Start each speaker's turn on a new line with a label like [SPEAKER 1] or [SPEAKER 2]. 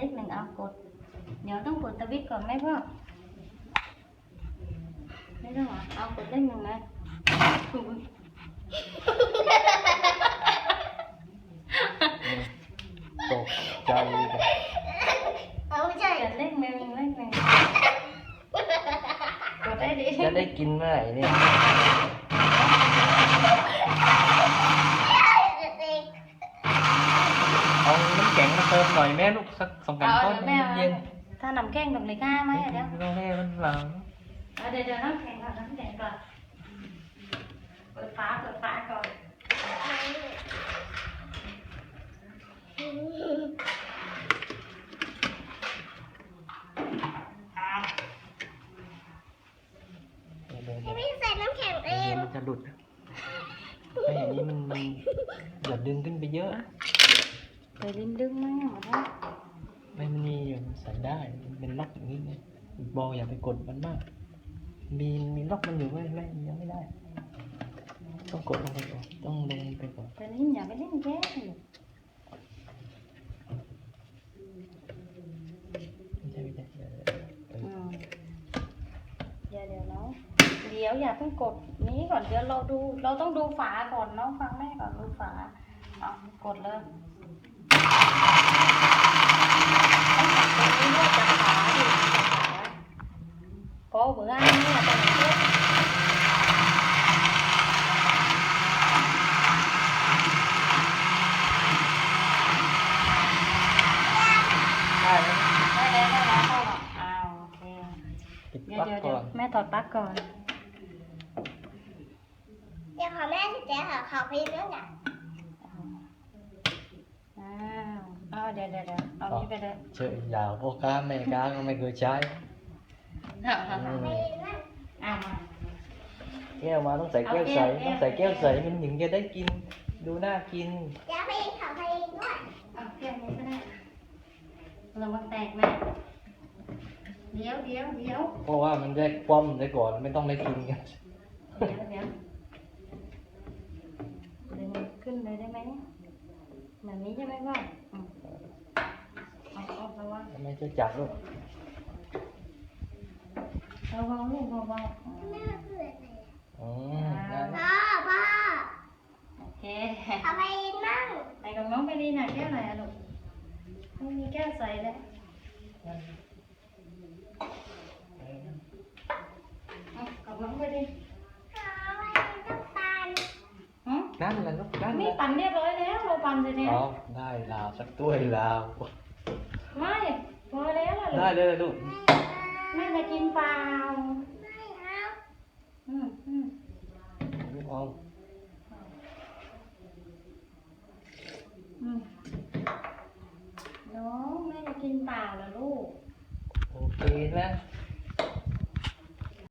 [SPEAKER 1] ขหนึ่งเอากดเดี๋ยวต้องกดสวิตช์ก่อนไหมพ่อไม่ต้องหรอเอากดเลขหนึ่งนะ
[SPEAKER 2] ตกใจเลย
[SPEAKER 1] เอาไม่ใช่เลขหนึ่งกดได้ดิ
[SPEAKER 2] จะได้กินเมื่อไหร่เนี่ยเอาน้ำแข็งมาเติมหน่อยแม่ลูกสัก2 ก้อนเย็น
[SPEAKER 1] ถ้าน้ำแข็งกับเลยง่ายไหมเดี๋ยว
[SPEAKER 2] เราแม่มันหลัง
[SPEAKER 1] เดี๋ยวน้ำแข็งก่อนเปิดฝาก่อน
[SPEAKER 3] ไม่ใส่น้ำแข็งเอง
[SPEAKER 2] มันจะหลุดไม่อย่างนี้มันอย่าดึงขึ้นไปเยอะ
[SPEAKER 1] ไปลิ้นดึงไหมหมดแล้ว
[SPEAKER 2] ไม่มันมีอยู่ใส่ได้มันเป็นล็อกอย่างนี้ไงบอลอย่าไปกดมันมากมีล็อกมันอยู่ไม่ยังไม่ได้ต้องกดลงไปก่อนต้องลงไปก่อน
[SPEAKER 1] ไปลิ้นอย่าไปลิ้นแย่
[SPEAKER 2] ไม่ใช่
[SPEAKER 1] เดี๋ยวน้องเดี๋ยวอย่าเพิ่งกดนี้ก่อนเดี๋ยวเราต้องดูฝาก่อนน้องฟังแม่ก่อนดูฝาเอากดเลยต้องจับตรงนี้ด้วยจับฝาดิจับฝาพอเบื่อเนี่ยตอนนี้
[SPEAKER 2] ได้แล้ว
[SPEAKER 1] ได้แล้วพ่อเอาโอเค
[SPEAKER 2] ปิด
[SPEAKER 1] เดี๋
[SPEAKER 2] ปลั๊ก
[SPEAKER 1] ยว
[SPEAKER 2] ก่อน
[SPEAKER 1] แม่ถอดปลั๊กก่อน
[SPEAKER 3] เดี๋ยวขอแม่สิเจ๊ค่ะขอไปเรื่องอ่ะ
[SPEAKER 1] เอาเดี๋ยวเอานี้ไปเลย
[SPEAKER 2] เฉยยาวพ่อค้าแม่ค้าก็ไม่เคยใช้
[SPEAKER 3] ไปเรื่อง
[SPEAKER 1] เอามา
[SPEAKER 2] แก้วมาต้องใส่แก้วใสต้องใส่แก้วใสมันถึงจะได้กินดูน่ากิน
[SPEAKER 3] เดี๋ยวไปขอไปด้วย
[SPEAKER 1] เอาแค่นี้ก็ได้ระวังแตกนะเดี๋ยว
[SPEAKER 2] เพราะว่ามันได้คว่ำได้ก่อนไม่ต้องได้กินกัน
[SPEAKER 1] เดี๋ยวดึงขึ้นเลยได้ไหมแบบนี้ใช่ไหมพ่อเอาระวัง
[SPEAKER 2] ทำไมจะจับลูก
[SPEAKER 1] ระวังลูกระวัง
[SPEAKER 3] แม่เพื่อนไหน
[SPEAKER 2] อ๋อได้
[SPEAKER 3] พ่อ
[SPEAKER 1] โอเค
[SPEAKER 3] ขอไปนั่ง
[SPEAKER 1] ไหนกับน้องไปดีหน่อยแก้วไหนอะลูกไม่มีแก้วใส่เลยกับน้องไปดิ
[SPEAKER 3] ขอไปต้องตัน
[SPEAKER 2] นั่นแหละลูกนั่นแห
[SPEAKER 1] นี่
[SPEAKER 2] ละ
[SPEAKER 1] ปั่นเรียบร้อยแล้วเราปั่นเสร็จแล้ว
[SPEAKER 2] อ๋อได้ลาวสักถ้วยลาว
[SPEAKER 1] ไม่พอแล้วล่ะ
[SPEAKER 2] ได้เลยลูก
[SPEAKER 1] แม่จะกินเปล่า
[SPEAKER 3] ไม่เอา
[SPEAKER 2] ลูกเอา
[SPEAKER 1] น้องแม่จะกินเปล่าล่ะลูก
[SPEAKER 2] โอเคนะ